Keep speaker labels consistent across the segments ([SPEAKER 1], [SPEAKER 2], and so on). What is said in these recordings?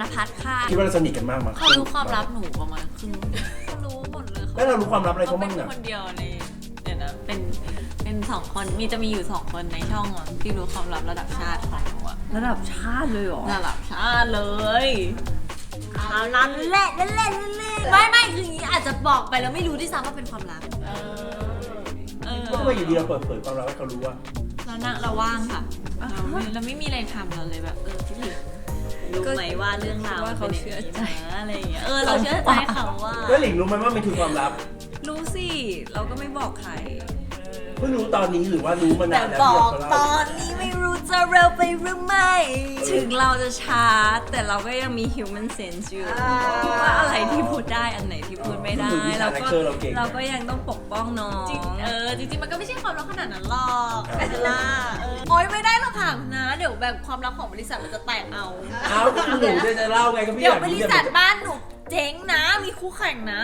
[SPEAKER 1] ณพัฒน์ค่ะ
[SPEAKER 2] คิดว่าเราสนิทกันมากมั้ย
[SPEAKER 3] เขารู้ความลับหนูประมาณครึ่งเขารู้หมดเลย
[SPEAKER 2] แล้วเรารู้ความลับอะไรเขาบ้าง
[SPEAKER 3] เป็น
[SPEAKER 2] เนี่ย
[SPEAKER 3] คนเดียวในเนี่ยนะเป็น2 คนจะมีอยู่2 คนในช่องอะที่รู้ความลับระดับชาติของหนูอะ
[SPEAKER 1] ระดับชาติเลยเหรอ
[SPEAKER 3] ระดับชาติเลย
[SPEAKER 1] เอานั่นแหละไม่คืออย่างนี้อาจจะบอกไปแล้วไม่รู้ด้วยซ้ำว่าเป็นความลับ
[SPEAKER 2] ก็ทำไมอยู่ดีเราเปิดเผยความลับให้เขารู้ว่า
[SPEAKER 3] เราว่างค่ะเราไม่มีอะไรทำเราเลยแบบพี่ถึงรู้ไหมว่าเรื่องราว
[SPEAKER 1] ว่าเขาเชื่อใจ
[SPEAKER 3] อะไรอย่างเงี้ยเราเชื่อใจเขาว่า
[SPEAKER 2] แล้วหลิงรู้ไหมว่ามันคือความลับ
[SPEAKER 1] รู้สิเราก็ไม่บอกใคร
[SPEAKER 2] เพิ่งรู้ตอนนี้หรือว่ารู้มา
[SPEAKER 1] แต่
[SPEAKER 2] นานแล้ว
[SPEAKER 1] บ
[SPEAKER 2] ที่
[SPEAKER 1] อก
[SPEAKER 2] เรา
[SPEAKER 1] ตอนนี้ไม่รู้จะเร็วไปหรือไม่ ถึงเราจะช้าแต่เราก็ยังมี human sense อยู่ว่าอะไรที่พูดได้อันไหนที่พูดไม่ได้เราก็ยังต้องปกป้องน้อง
[SPEAKER 3] จริงมันก็ไม่ใช่ความลับขนาดนั้นหรอกล่ะโอ๊ยไม่ได้หรอกค่ะนะเดี๋ยวแบบความลับของบริษัทมันจะแตกเอา
[SPEAKER 2] อ้าวก็หนูจะเล่าไงก็พี่
[SPEAKER 3] เดี๋
[SPEAKER 2] อ
[SPEAKER 3] ยว
[SPEAKER 2] ยาก
[SPEAKER 3] บ
[SPEAKER 2] รู้
[SPEAKER 3] ริษัทบ้านหนูเจ๊งนะ มีคู่แข่งนะ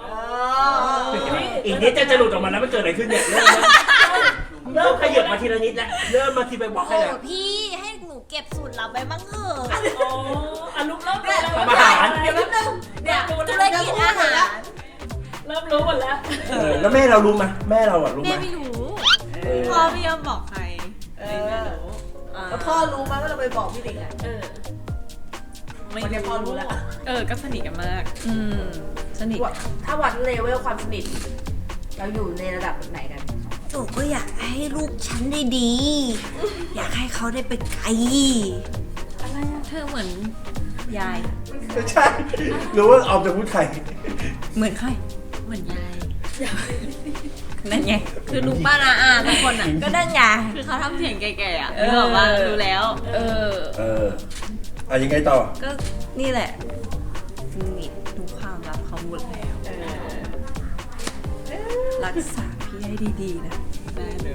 [SPEAKER 2] อีกนิดจะหลุดออกมาแล้วมันเกิดอะไรขึ้นเนี่ยเริ่มขยับมาทีละนิดแล้วเริ่มมาทีไปบอกให้
[SPEAKER 3] โอ้
[SPEAKER 2] แล้ว
[SPEAKER 3] พี่ให้หนูเก็บสูตรลับไปบ้างเถอะ
[SPEAKER 4] ลุกเริ่มรู้
[SPEAKER 2] ทำอาหาร
[SPEAKER 3] เดี๋ยวนิดนึงเนี่ยธุรกิจอาหาร
[SPEAKER 4] เริ่มรู้หมดแล้ว
[SPEAKER 2] แล้วแม่เรารู้ไหมแม่เราอ่ะรู้ไห
[SPEAKER 3] แม่
[SPEAKER 2] ม
[SPEAKER 3] ไม่รู้พ่อไม่ยอมบอกใครไม่รู้
[SPEAKER 5] แล้วพ่อรู้ไหมว่าเราไปบอกพี่หลิงอ่ะ
[SPEAKER 3] ไม่
[SPEAKER 5] วันนี้พ่อรู้แล้ว
[SPEAKER 3] ก็สนิทกันมาก
[SPEAKER 1] สนิท
[SPEAKER 5] ถ้าวัดเลเวลความสนิทเราอยู่ในระดับไหนกัน
[SPEAKER 1] หนูก็อยากให้ลูกฉันได้ดี อยากให้เขาได้ไปไกล
[SPEAKER 3] เธอเหมือน
[SPEAKER 1] ยาย
[SPEAKER 2] ไม่ใช่รู้ว่าออมจะพูดใคร
[SPEAKER 1] เหมือนใคร
[SPEAKER 3] เหมือนยาย
[SPEAKER 1] นั่นไง
[SPEAKER 3] คือลุงป้านาอาทุกคนอ่ะ
[SPEAKER 1] ก็นั่นไง
[SPEAKER 3] คือเขาทำเสียงแก่ๆอ่ะนึกออกว่ารู้แล้ว
[SPEAKER 2] ยังไงต่อ
[SPEAKER 1] ก็นี่แหละสนิททุกความลับเขาหมดแล้ว รักษาพี่ให้ดีๆนะ
[SPEAKER 3] ได้เลย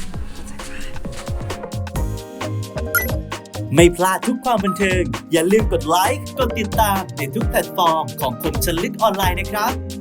[SPEAKER 6] ไม่พลาดทุกความบันเทิง อย่าลืมกดไลค์ กดติดตามในทุกแพลตฟอร์มของคมชนลึกออนไลน์นะครับ